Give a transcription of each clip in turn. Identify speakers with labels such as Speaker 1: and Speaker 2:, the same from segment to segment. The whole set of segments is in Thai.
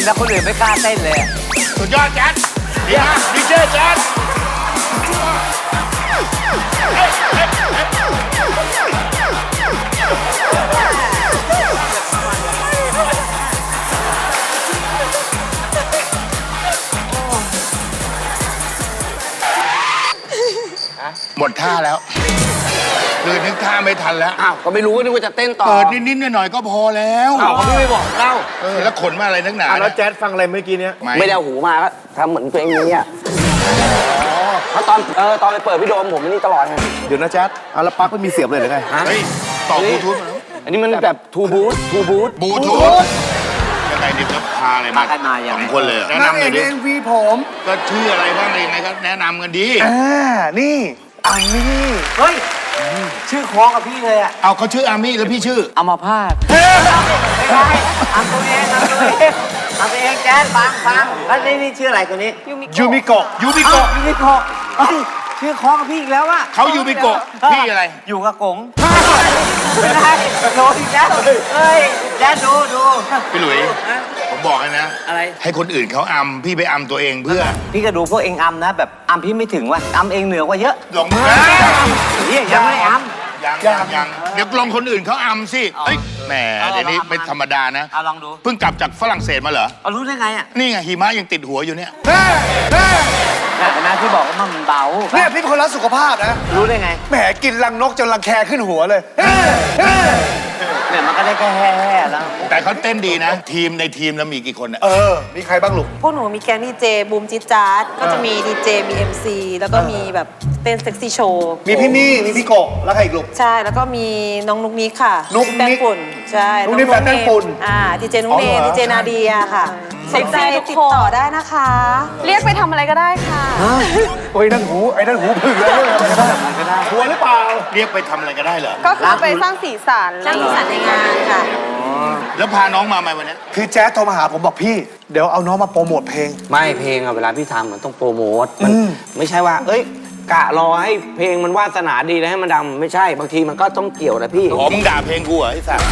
Speaker 1: แล้วคนอื่นไม่กล้าเต้นเลย
Speaker 2: สุดยอดแจ๊ดดีมากดีเจแจ๊ดหมดท่าแล้วคือนึกท่าไม่ทันแล้ว
Speaker 1: อ้าวก็ไม่รู้นึกว่าจะเต้นต่อ
Speaker 2: นิดๆหน่อยๆก็พอแล้ว
Speaker 1: อ้าวเขาไม่บอกเล่า
Speaker 2: แล้วขนมาอะไรนักหนา
Speaker 3: แล้วแจ๊ดฟังอะไรเมื่อกี้เนี้ย
Speaker 1: ไม่ได้หูมาก็ทำเหมือนตัวเองอย่างเงี้ยเพราะตอนไปเปิดพี่โดมผมนี่ตลอดไง
Speaker 3: เดี๋ยวนะแจ๊ดแล้วปลั๊กไม่มีเสียบเลยหรือไง
Speaker 2: เฮ้ยต่อบลูทูธ
Speaker 1: อันนี้มันแบบทูบูท
Speaker 2: ยังไงดิจะพาอะไรมาสองคนเลยแนะนำเลยดิ
Speaker 3: MV ผม
Speaker 2: ก็ชื่ออะไรบ้างอะไรยังไงก็แนะนำกันดี
Speaker 3: นี่อามี่
Speaker 1: เฮ้ยชื่อคล้องกับพี่เลยอะ
Speaker 2: เอาเขาชื่ออามี่แล้วพี่ชื่อ
Speaker 1: อัมพาตไม่ใช่อัมตัวเองแจ๊ดฟังแล้วนี่ชื่ออะไรตัวนี้
Speaker 3: ยูมิโกะ
Speaker 1: ชื่อคล้องกับพี่อีกแล้วอะ
Speaker 2: เขายูมิโกะพี่อะไร
Speaker 1: อยู่กับกงไม่ได้โดนอีกแล้วเฮ้ยแจ๊ดดู
Speaker 2: พี่หลุยผมบอกให้นะ
Speaker 1: อะไร
Speaker 2: ให้คนอื่นเขาอัมพี่ไปอัมตัวเองเพื่อ
Speaker 1: พี่ก็ดูพวกเองอัมนะแบบอัมพี่ไม่ถึงว่ะอัมเองเหนือกว่าเยอะ
Speaker 2: ลองมือ
Speaker 1: ยังไม่อัม
Speaker 2: ยังเดี๋ยวลองคนอื่นเขาอัมสิแหมเดี๋ยวนี้ไม่ธรรมดานะ
Speaker 1: ลองดู
Speaker 2: เพิ่งกลับจากฝรั่งเศสมาเหรอ
Speaker 1: รู้ได้ไงอ่ะ
Speaker 2: นี่ไงหิมะยังติดหัวอยู่เนี่ย
Speaker 1: นะที่บอกว่ามันเบา
Speaker 3: เนี่ยพี่เป็นคนรักสุขภาพนะ
Speaker 1: รู้ได้ไง
Speaker 3: แหมกินรังนกจนรังแคขึ้นหัวเลย
Speaker 1: เนี่ยมันก็ได้แค่แห่แล้ว
Speaker 2: แต่เขาเต้นดีนะในทีมแล้วมีกี่คนอ่ะ
Speaker 3: มีใครบ้างลูก
Speaker 4: พวกหนูมีแก๊งดีเจบูมจิจาร์ดก็จะมีดีเจมี MC แล้วก็มีแบบเต้นเซ็กซี่โชว์
Speaker 3: มีพี่มี่มีพี่โกะแล้วใครอีกลูก
Speaker 4: ใช่แล้วก็มีน้องนุ๊กนิกค่ะ
Speaker 3: นุ๊กนิก
Speaker 4: แป้งฝุ่นใช่
Speaker 3: นุ๊กนิกแป้งฝุ่น
Speaker 4: ดีเจนุ๊กเนยดีเจนาเดียค่ะสนใจติดต่อได้นะคะ
Speaker 5: เรียกไปทำอะไรก็ได้ค่ะ
Speaker 3: โอ้ยนั่นหูผึ่งแล้วเรียกไปทำอะไรก็ได้หัวหรือเปล่า
Speaker 2: เรียกไปทำอะไรก็ได้เหรอ
Speaker 5: ก็คือไปสร้างสีสัน
Speaker 4: ในงานค่ะ
Speaker 2: แล้วพาน้องมาไหมวันนี้
Speaker 3: คือแจ๊สโทรมาหาผมบอกพี่เดี๋ยวเอาน้องมาโปรโมทเพลง
Speaker 1: ไม่เพลงอะเวลาพี่ทำมันต้องโปรโมทมันไม่ใช่ว่ากะรอให้เพลงมันวาสนาดีแล้วให้มันดังไม่ใช่บางทีมันก็ต้องเกี่ยวนะพี่
Speaker 2: มึงด่าเพลงกูเหรอไอ้สัส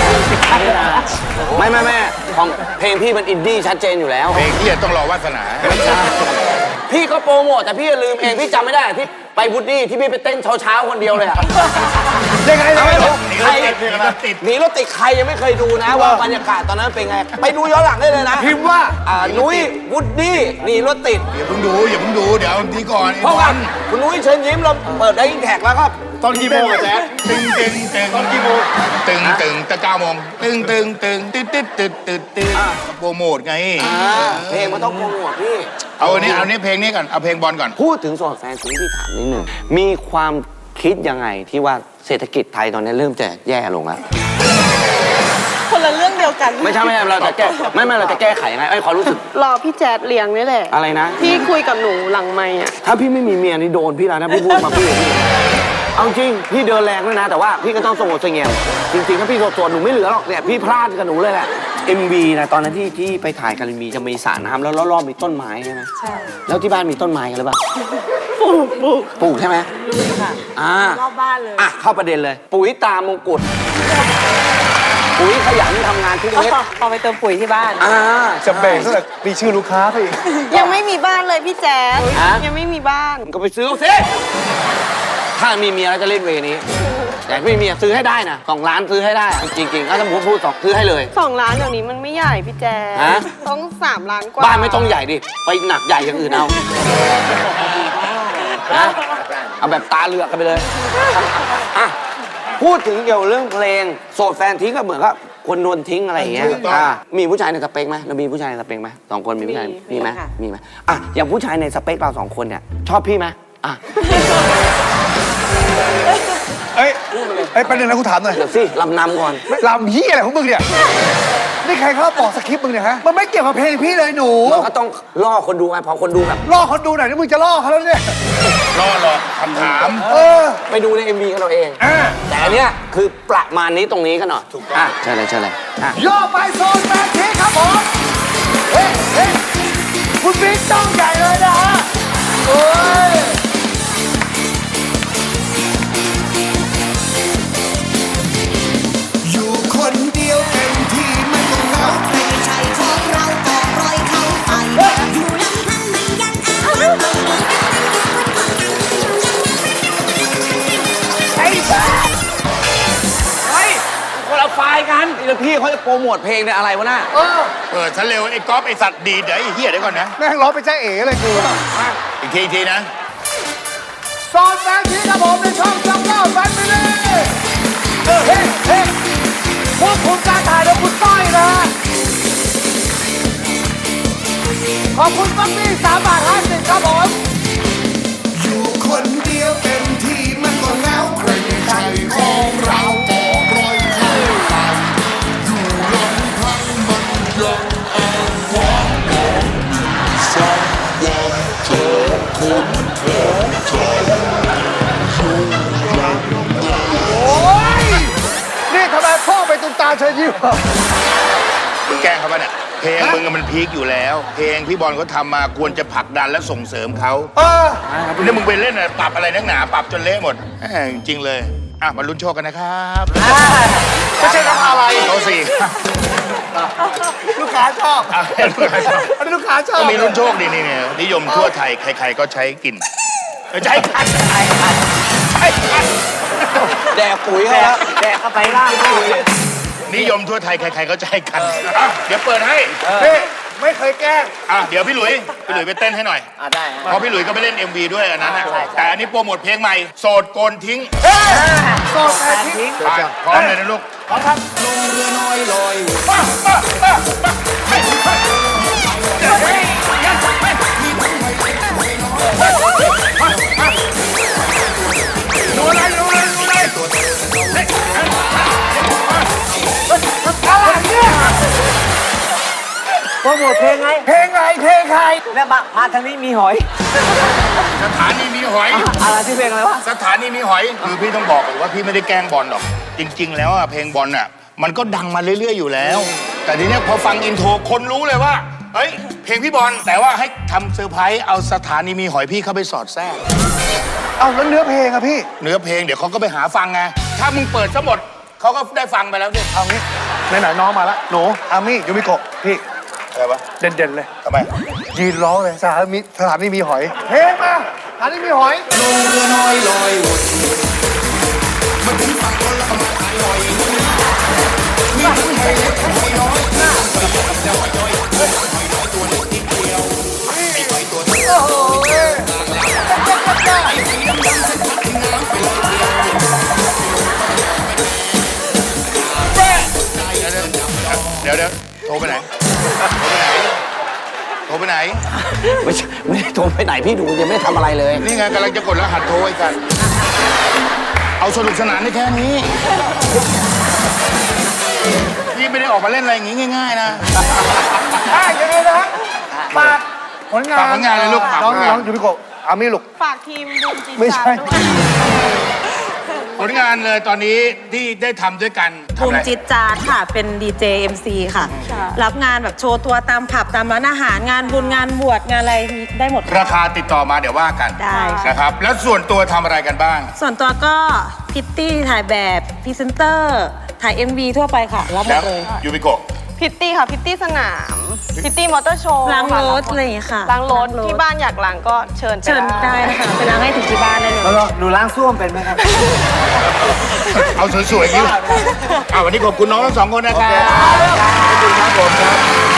Speaker 1: ไม่ของเพลงพี่มันอินดี้ชัดเจนอยู่แล้ว
Speaker 2: เพลงพี่ต้องรอวาสนา
Speaker 1: พี่ก็โปรโมทแต่พี่ลืมเองพี่จำไม่ได้ที่ไปวูดดี้ที่พี่ไปเต้นเช้าคนเดียวเลยอะ
Speaker 3: ยังไง
Speaker 1: หนีรถติดใครยังไม่เคยดูนะว่าบรรยากาศตอนนั้นเป็นไงไปดูย้อนหลังได้เลยนะ
Speaker 3: พิมพ์ว่า
Speaker 1: นุ้ยวูดดี้หนีรถติด
Speaker 2: อย่าเพิ่งดูเดี๋ยวทีก่อน
Speaker 1: เพราะว่าคุณนุ้ยเชิญยิ้มเราเปิดได้ยินแท็กแล้วครับ
Speaker 3: ตอนกี่โมงอะแจ๊ด
Speaker 2: ตึงตอนกี่โมงตึงแต่9 โมงตึงตึโปรโมทไง
Speaker 1: เพลงมันต้องโปรโมทพี่
Speaker 2: เอาอันนี้เพลงนี้ก่อนเอาเพลงบอลก่อน
Speaker 1: พูดถึงโซนแฟนซีที่ถามนิดหนึ่งมีความคิดยังไงที่ว่าเศรษฐกิจไทยตอนนี้เริ่มจะแย่ลงแล้ว
Speaker 5: คนละเรื่องเดียวกัน
Speaker 1: ไม่ใช่เราจะแก้เราจะแก้ไขยังไงขอรู้สึก
Speaker 5: รอพี่แจ๊ดเลี้ยงนี่แหละ
Speaker 1: อะไรนะ
Speaker 5: พี่คุยกับหนูหลังไมค์อะ
Speaker 1: ถ้าพี่ไม่มีเมียนี่โดนพี่แล้วนะพี่พูดมาพี่เอาจริงพี่เดินแรงด้วยนะแต่ว่าพี่ก็ต้องสงบเสงี่ยมจริงๆถ้าพี่โสดหนูไม่เหลือหรอกเนี่ยพี่พลาดกับหนูเลยแหละ MV นะตอนนั้นที่ไปถ่ายกันมีจะมีสระน้ำแล้วรอบๆมีต้นไม้ใช่ไหมใช่แล้วที่บ้านมีต้นไม้กันหรือเปล่าปลูกใช่ไหมค่ะ
Speaker 5: รอบบ้านเลย
Speaker 1: เข้าประเด็นเลยปุ๋ยตามงกุฎปุ๋ยขยันทำงานทุกเม็ด
Speaker 4: เอาไปเติมปุ๋ยที่บ้าน
Speaker 3: จะเบ่งซะแบบมีชื่อลูกค้าพี่
Speaker 5: ยังไม่มีบ้านเลยพี่แจ๊ดยังไม่มีบ้าน
Speaker 1: ก็ไปซื้อสิถ้ามีเมียแล้วจะเล่นเวนี้แต่ไม่มีเมียซื้อให้ได้นะ2 ล้านซื้อให้ได้จริงๆถ้าผมพูดซื้อให้เลย
Speaker 5: 2 ล้านเดี๋ยวนี้มันไม่ใหญ่พี่แจ๊ดต้อง3 ล้านกว่า
Speaker 1: บ้านไม่ต้องใหญ่ดิไปหนักใหญ่อย่างอื่นเอาเอาแบบตาเลือกกันไปเลยพูดถึงเกี่ยวเรื่องเพลงโสดแฟนทิ้งก็เหมือนกับคนโดนทิ้งอะไรอย่างเงี้ยมีผู้ชายในสเปคไหมเรามีผู้ชายในสเปคไหม2 คนมีผู้ชายมีไหมอย่างผู้ชายในสเปคเรา2 คนเนี่ยชอบพี่ไหม
Speaker 3: ประเด็นนะกูถามหน่อย
Speaker 1: เดี๋ยวสิลำนำก่อน
Speaker 3: ลำเหี้ยอะไรของมึงเนี่ยนี่ใครเขาบอกสคริปต์มึงเนี่ยฮะมันไม่เกี่ยวกับเพลงพี่เลยหนู
Speaker 1: มันก็ต้องล่อคนดูไงพอคนดูแบบ
Speaker 3: ล่อคนดูหน่อยนี่มึงจะล่อเขาแล้วเนี่ย
Speaker 2: ล่อคำถาม
Speaker 1: ไปดูใน MV กันเราเองแต่อันเนี้ยคือประมาณนี้ตรงนี้กันหน่อยถูกต้องใช่เลย
Speaker 3: ย่อไปโซนแมททีครับผมเฮ้คุณบิ๊กต้องใหญ่เลยนะฮะโอ้ย
Speaker 6: อยู่คนเดียวเต็มที่ไม่ต้องเหงาใครของเราก่อน
Speaker 1: เขาจะโปรโมทเพลงเนี่ยอะไรวะน่ะ
Speaker 2: เปิดซะเร็วไอ้ก๊อฟไอ้สัตว์ดีเดี๋ยวไอ้เหี้ยเดี๋ยวก่อนนะ
Speaker 3: แม่งร้องเป็นใจเอ๋เลยกู
Speaker 2: อีกทีนะ
Speaker 3: โซนแฟนทีครับผมในช่องจัมโบ้แฟมิลี่เฮ้เฮ้ควบคุมการถ่ายโดยคุณต้อยนะฮะขอบคุณปั๊บปี้3.50 ครับผม
Speaker 6: อยู่คนเดียวเต็มที่มันก็เหงาใครใจของเราก็ปล่อยเข้าไปอยู่ลำพังมันยังอ้างว้างสักวันเจอคนของใจอยู่อย่างไร
Speaker 3: โอ้ย นี่ทำไมพ่อไปตุ้มตามเชิญยิ้ม
Speaker 2: แกล้งเขาปะเนี่ยเพลงมึงอะมันพีคอยู่แล้ว เพลงพี่บอลเขาทำมาควรจะผลักดันและส่งเสริมเขา นี่มึงไปเล่นอะปรับอะไรนักหนาปรับจนเละหมดจริงๆเลยอ่ะมาลุ้นโชคกันนะครับ
Speaker 3: ไม่ใช่น้ำอะไร
Speaker 2: เขาสี่
Speaker 3: ลูกค้าชอบ
Speaker 2: อ่ะลูกค้าชอบ
Speaker 3: อันนี้ลูกค้าชอบ
Speaker 2: ก็มีลุ้นโชคดีนี่เนี่ยนิยมทั่วไทยใครๆก็ใช้กินใช้กันใช้กันใช้กัน
Speaker 1: แดกปุ๋ยเขาแล้วแดกเข้าไปล่างปุ๋ย
Speaker 2: นิยมทั่วไทยใครๆก็ใช้กันอ่ะเดี๋ยวเปิดให้
Speaker 3: นี่ไม่เคยแกล้ง
Speaker 2: อ่ะเดี๋ยวพี่หลุยไปเต้นให้หน่อย
Speaker 1: ได้
Speaker 2: เพราะพี่หลุยก็ไปเล่น MV ด้วยอันนั้นน่ะแต่อันนี้โปรโมทเพลงใหม่โสดโกนทิ้ง
Speaker 3: โซนแฟนที
Speaker 2: ไปพร้อมเลยนะลูก
Speaker 3: พร้อมครับ
Speaker 6: ลงเรือน้อยลอย
Speaker 2: ดูเลยดูเลยดูเลย
Speaker 3: อะไรเนี่ย
Speaker 1: โปรโมทเพลงไง
Speaker 3: เพลงไงเพลงใคร
Speaker 1: แล้วมาทางนี้มีหอย
Speaker 2: สถานีมีหอย
Speaker 1: อะไรที่เพลงอะไรวะ
Speaker 2: สถานีมีหอยคือพี่ต้องบอกเลยว่าพี่ไม่ได้แกล้งบอลหรอก จริง ๆ แล้วอะเพลงบอลน่ะมันก็ดังมาเรื่อยๆอยู่แล้ว แต่ทีเนี้ยพอฟังอินโทรคนรู้เลยว่าเฮ้ยเพลงพี่บอลแต่ว่าให้ทำเซอร์ไพรส์เอาสถานีมีหอยพี่เข้าไปสอดแทรก
Speaker 3: เอาแล้วเนื้อเพลงอะพี่
Speaker 2: เนื้อเพลงเดี๋ยวเขาก็ไปหาฟังไงถ้ามึงเปิดซะหมดเขาก็ได้ฟังไปแล้วดิ
Speaker 3: เอางี้ไหนๆน้องมาแล้วหนูอามี่ยูมิโกะพี่
Speaker 2: อะไรวะ
Speaker 3: เด่นๆเลย
Speaker 2: ทำไม
Speaker 3: ยืนร้องเลยสถานีมีหอยเพลงมาสถานีมีหอย
Speaker 6: ลงเรือน้อยลอยวนมันถึงฝั่งคนละประมาณหายลอยมีทั้งหอยเล็กหอยน้อยแล้วหอยน้อยตัวเล็กนิดเดียวไอ้หอยตัวนี้
Speaker 3: โอ้โห
Speaker 2: เดี๋ยวโทรไปไหนโทรไปไหน
Speaker 1: ไม่ได้โทรไปไหนพี่ดูยังไม่ได้ทำอะไรเลย
Speaker 2: นี่ไงกำลังจะกดรหัสโทรไอ้กัน เอาสนุกสนานได้แค่นี้ พี่ไม่ได้ออกมาเล่นอะไรอย่างงี้ง่ายๆนะ
Speaker 3: ยังไงนะฝากผลงาน
Speaker 2: ฝากผลงานเลยลูกฝาก
Speaker 3: น้อง
Speaker 2: ผลงาน
Speaker 3: น้องยูมิโกะอามี่ลูก
Speaker 5: ฝากทีมบูมจี
Speaker 3: ไม่ใช่
Speaker 5: จาด้วย
Speaker 2: ผลงานเลยตอนนี้ที่ได้ทำด้วยกันทำ
Speaker 4: บู
Speaker 2: อะ
Speaker 4: ม
Speaker 2: ไร
Speaker 4: จิตจาร์ค่ะ เป็นดีเจ MC ค่ะ รับงานแบบโชว์ตัวตามผับตามร้านอาหารงานบุญงานบวชงานอะไรมีได้หมด
Speaker 2: ราคาติดต่อมาเดี๋ยวว่ากัน
Speaker 4: ได้ค่ะ
Speaker 2: นะครับ แล้วส่วนตัวทำอะไรกันบ้าง
Speaker 4: ส่วนตัวก็พิตตี้ถ่ายแบบพรีเซนเตอร์ถ่าย MV ทั่วไปค่ะ รับหม
Speaker 2: แล้
Speaker 4: ด
Speaker 2: ว
Speaker 4: เลย
Speaker 2: ยูบิโกะ
Speaker 5: พิตตี้ค่ะ พิตตี้สนาม พิตตี้มอเตอร์โชว์
Speaker 4: ล้าง
Speaker 5: ค่ะ
Speaker 4: รถอะไรอย่างเงี้ยค่ะ
Speaker 5: ล้างรถที่บ้านอยากล้างก็เชิญไป
Speaker 4: เชิญได้ค่ะไปล้างให้ถึงที่บ้านได้เลย
Speaker 1: หนูล้างส้วมเป็นไหมครับ
Speaker 2: เอาสวยๆอย่างนี้วันนี้ขอบคุณน้องทั้งสองคนนะครับขอบคุณครับผมครับ